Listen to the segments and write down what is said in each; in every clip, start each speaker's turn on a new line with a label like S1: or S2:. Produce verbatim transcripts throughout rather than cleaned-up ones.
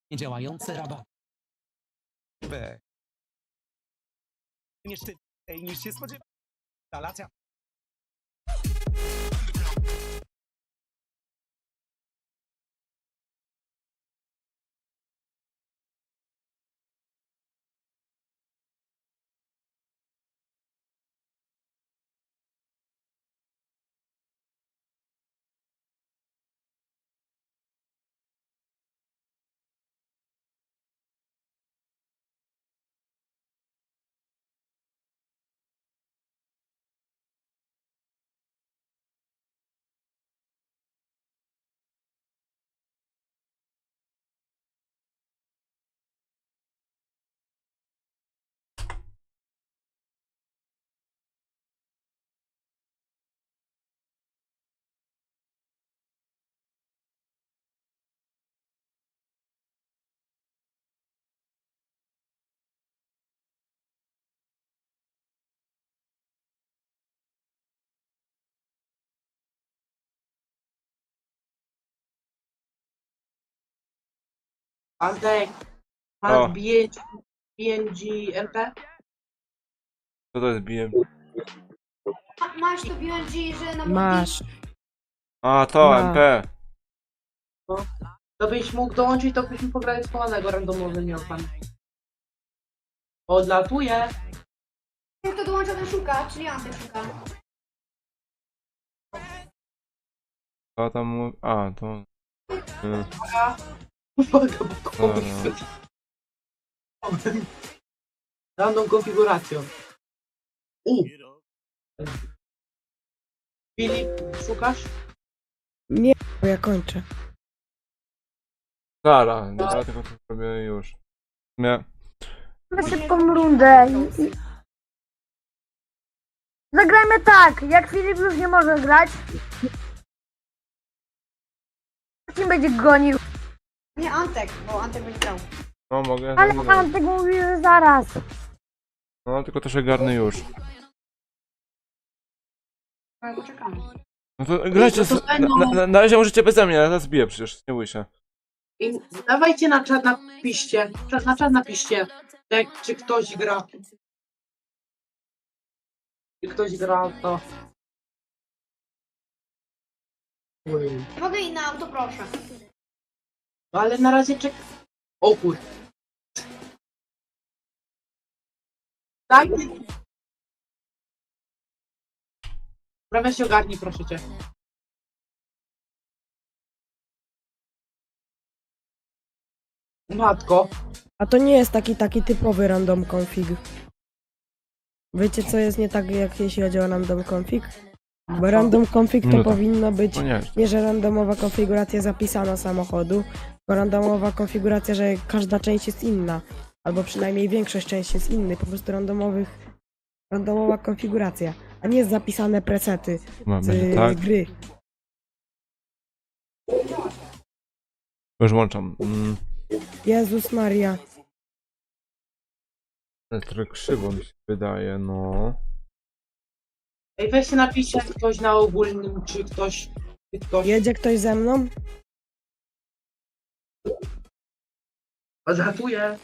S1: Niedziałające rabaty. B. Niestety, niż się spodziewa. Instalacja.
S2: Antek,
S3: O.
S2: masz B N G M P?
S3: Co to jest bijem?
S4: Ma- Masz to B N G, że na
S5: Masz.
S3: A, to,
S5: Ma.
S3: M P.
S2: To byś mógł dołączyć, to byśmy pograli schowanego randomowy nie pan. Odlatuje.
S4: multi, to dołącza ten szuka, czyli Antek szuka.
S3: To tam mówi... A, to... Y,
S2: Uwaga, bo
S3: Dobra.
S2: Random konfiguracją. U. Filip, szukasz?
S5: Nie, bo ja kończę.
S3: Zara, ja tylko to zrobię już. Nie.
S6: Mamy szybką rundę. i- i- Zagrajmy tak, jak Filip już nie może grać. Kim będzie gonił?
S4: Nie Antek, bo Antek będzie grał.
S3: No, mogę.
S6: Ale
S3: no,
S6: pan tego mówi, że zaraz.
S3: no, tylko to się garnę już.
S4: Ale poczekamy.
S3: No to grajcie,
S2: No to
S3: s- na,
S2: będą-
S3: na, na, na razie możecie beze mnie, ja zaraz biję przecież, nie bój się.
S2: I dawajcie na czat napiszcie. Czat- Na czat napiszcie. Jak, czy ktoś gra. Czy ktoś gra to. Oj.
S4: Mogę i na auto, proszę.
S2: No ale na razie czek. O kur. Tak? Prawie się ogarnij, proszę cię. Matko.
S5: A to nie jest taki taki typowy random config. Wiecie co jest nie tak jak jeśli chodzi o random config? Bo random config to
S3: Minuta.
S5: powinno być
S3: No nie.
S5: nie, że randomowa konfiguracja zapisana samochodu, tylko randomowa konfiguracja, że każda część jest inna. Albo przynajmniej większość części jest inny, po prostu randomowych, randomowa konfiguracja, a nie zapisane presety
S3: Ma,
S5: z,
S3: będzie tak.
S5: z gry.
S3: Już włączam. Mm,
S5: Jezus Maria.
S3: ale trochę krzywo mi się wydaje, no.
S2: Ej, weź się napiszcie ktoś na ogólnym, czy ktoś. Czy ktoś.
S5: Jedzie ktoś ze mną?
S2: Odlatuje.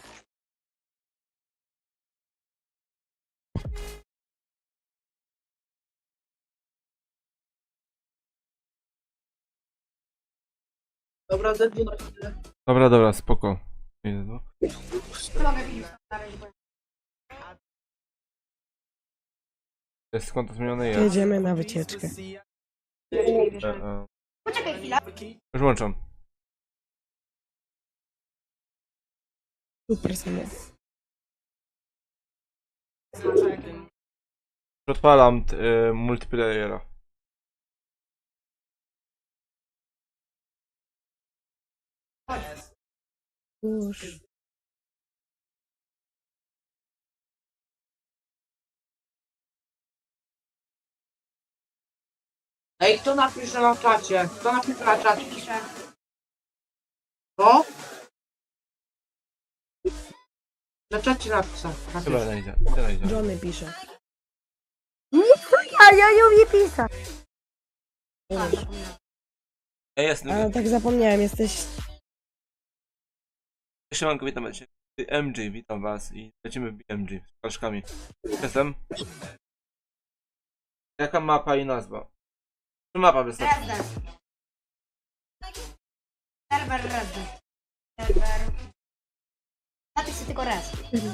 S2: Dobra, zednie na chwilę.
S3: Dobra, dobra, spoko. Idę, no.
S4: Mogę Filip na razie. powiem.
S3: Jest konto zmienione, jest.
S5: Jedziemy na wycieczkę.
S3: E, e.
S4: Poczekaj chwilę.
S3: Już włączam.
S5: Super samochód.
S3: Odpalam y, multiplayera.
S5: Już.
S2: Ej, kto napisze na czacie? Kto napisze na czacie?
S4: Piszę.
S2: Co? Na czacie napisał.
S3: Chyba najdzie, tyle idzie.
S5: Johnny pisze.
S6: Ja, ja nie umiem pisać.
S4: Tak, zapomniałem.
S3: Ej, jest,
S5: A tak zapomniałem, jesteś
S3: Siemanko, witam cię. M G, witam was i lecimy w B M G z paczkami. Jestem. Jaka mapa i nazwa? Czy mapa wystarczy?
S4: Resident. Serwer Resident. Serwer. Napisz sobie tylko res.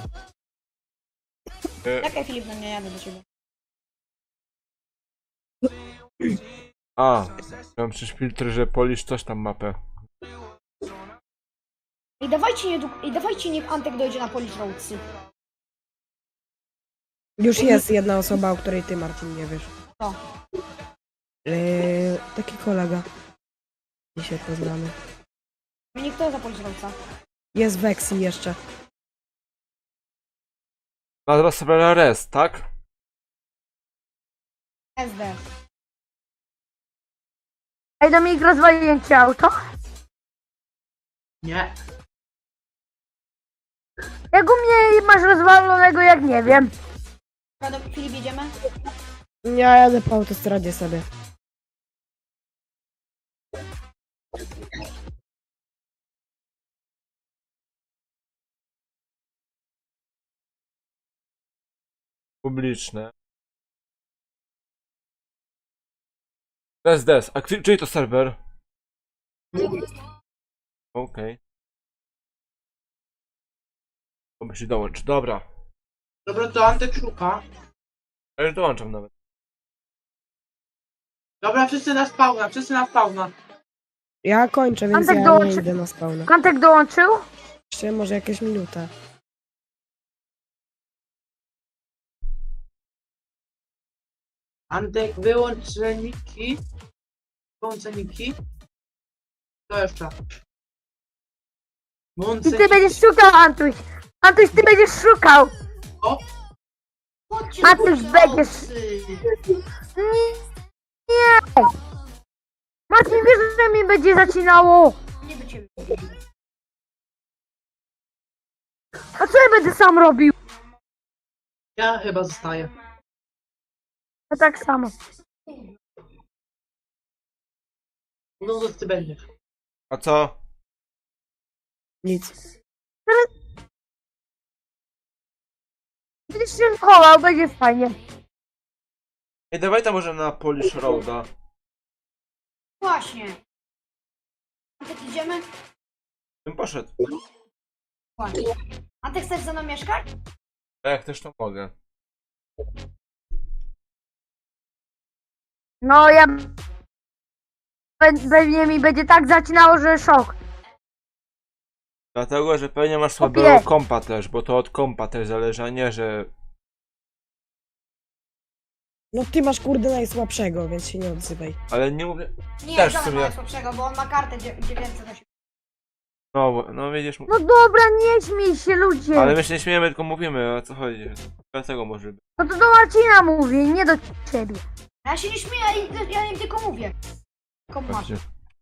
S3: E,
S7: Czekaj Filip, no nie jadę do ciebie.
S3: a, mam przecież filtr, że polisz coś tam mapę.
S7: I dawajcie, nie, I dawajcie niech Antek dojdzie na Polish Roadsy.
S5: Już jest jedna osoba, o której ty, Marcin, nie wiesz.
S7: Co?
S5: Eee, taki kolega. Dzisiaj poznamy.
S7: Mnie kto za Polish Roadsa?
S5: Jest Vexi jeszcze.
S3: Nazwa serwera Rest, tak?
S7: S D.
S6: Ej, Dominik, rozwaliłem ci auto.
S2: Nie.
S6: Jak u mnie masz rozwalonego, jak nie wiem.
S7: Dobra, do- Filip, jedziemy?
S5: Ja jadę po autostradzie sobie.
S3: Publiczne. Des, des. A czy- czyj to serwer? Okej. To musi dołączyć. Dobra.
S2: Dobra, to Antek szuka.
S3: Ja już dołączam nawet.
S2: Dobra, wszyscy na spawna, wszyscy na spawna.
S5: Ja kończę, więc
S6: Antek
S5: ja nie
S6: dołączy-
S5: idę na spawna.
S6: Kantek dołączył?
S5: Jeszcze może jakieś minutę.
S2: Antek, wyłącz ceniki. Wyłącz ceniki. Co jeszcze? Wyłącz
S6: I ty
S2: ceniki.
S6: będziesz szukał, Antuś. Antuś, ty będziesz szukał.
S4: Chodźcie
S6: A
S4: do
S6: ty
S4: Polish
S6: będziesz-
S4: Roadsy.
S6: Nie. Nie. Marcin, wiesz, że mi będzie zacinało.
S4: Nie do ciebie.
S6: A co ja będę sam robił?
S2: Ja chyba zostaję.
S6: Ja tak samo.
S2: No to ty będziesz.
S3: A co?
S5: Nic.
S6: Będziesz się chował, będzie fajnie.
S3: Ej, dawaj tam może na Polish Roada.
S4: Właśnie. Antek, idziemy?
S3: Bym poszedł.
S4: Właśnie. Antek, chcesz ze mną mieszkać?
S3: A jak też to mogę.
S6: No ja... Pe- Pewnie mi będzie tak zacinało, że szok.
S3: Dlatego, że pewnie masz
S6: Kopie.
S3: słabego kompa też, bo to od kompa też zależy, a nie, że...
S5: No ty masz kurde najsłabszego, więc się nie odzywaj.
S3: Ale nie mówię...
S4: Nie,
S3: Też w
S4: żaden
S3: sumie.
S4: ma słabszego, bo on ma kartę dzie- dziewięćset osiemdziesiąt.
S3: No, no widzisz...
S6: No dobra, nie śmiej się, ludzie.
S3: Ale my się nie śmiejemy, tylko mówimy, o co chodzi. Dlatego może być.
S6: No to do Marcina mówię, nie do ciebie.
S4: A ja się nie śmieję, ja, ja im tylko mówię. Tylko masz.
S3: Właśnie.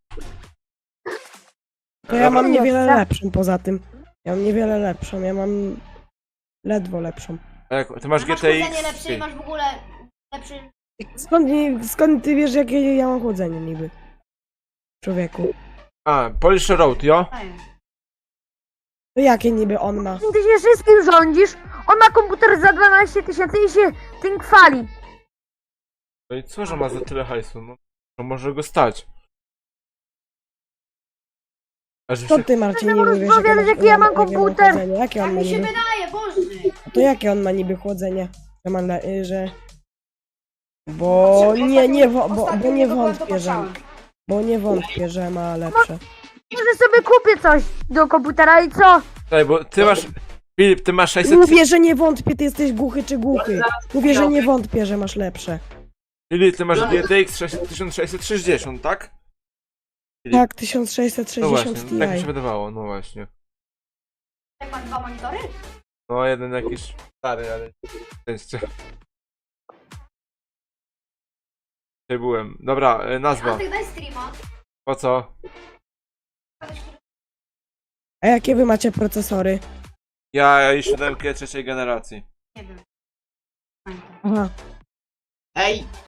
S5: To ja mam
S6: Dobra.
S5: niewiele
S6: Tak.
S5: lepszą poza tym. Ja mam niewiele lepszą, ja mam ledwo lepszą.
S3: A jak, ty masz
S4: A masz
S3: G T X?
S4: chłodzenie lepsze i masz w ogóle lepszy...
S5: Skąd, skąd ty wiesz, jakie ja mam chłodzenie niby? Człowieku.
S3: A, Polish Road, jo?
S4: Ej.
S5: To jakie niby on ma?
S6: Ty się wszystkim rządzisz. On ma komputer za dwanaście tysięcy i się tym chwali.
S3: No i co, że ma za tyle hajsu? No, to może go stać. A że
S5: Co
S3: się...
S5: ty, Marcin,
S6: Nie
S5: niby
S6: możesz
S5: wiesz, jakie,
S6: powiedzieć,
S5: masz-
S6: jaki ja mam
S5: jakie ma
S6: komputer.
S5: chłodzenie? Jakie
S4: Tak
S5: on ma
S4: mi się
S5: niby?
S4: wydaje, Boże.
S5: To jakie on ma niby chłodzenie? Że ma le... y, że... Bo nie, nie, wo- bo, bo
S4: Ostatnio
S5: nie
S4: tego byłem, to
S5: wątpię, że...
S4: patrzałem.
S5: Bo nie wątpię, że ma lepsze.
S6: Może sobie kupię coś do komputera i co?
S3: Czekaj, bo ty masz... Filip, ty masz sześćset...
S5: Mówię, że nie wątpię, ty jesteś głuchy czy głuchy. Mówię, że nie wątpię, że masz lepsze.
S3: Filip, ty masz G T X tysiąc sześćset sześćdziesiąt, tak?
S5: Tak, tysiąc sześćset
S3: No
S5: sześćdziesiąt
S3: właśnie, tak mi się
S5: Ti.
S3: wydawało, no właśnie.
S4: Jak masz dwa monitory?
S3: No jeden jakiś stary, ale... Szczęście. Dzisiaj byłem. Dobra, y, nazwa.
S4: Antek, daj streama.
S3: Po co?
S5: A jakie wy macie procesory?
S3: Ja i siódemkę trzeciej generacji.
S4: Nie wiem.
S5: Aha.
S2: Ej,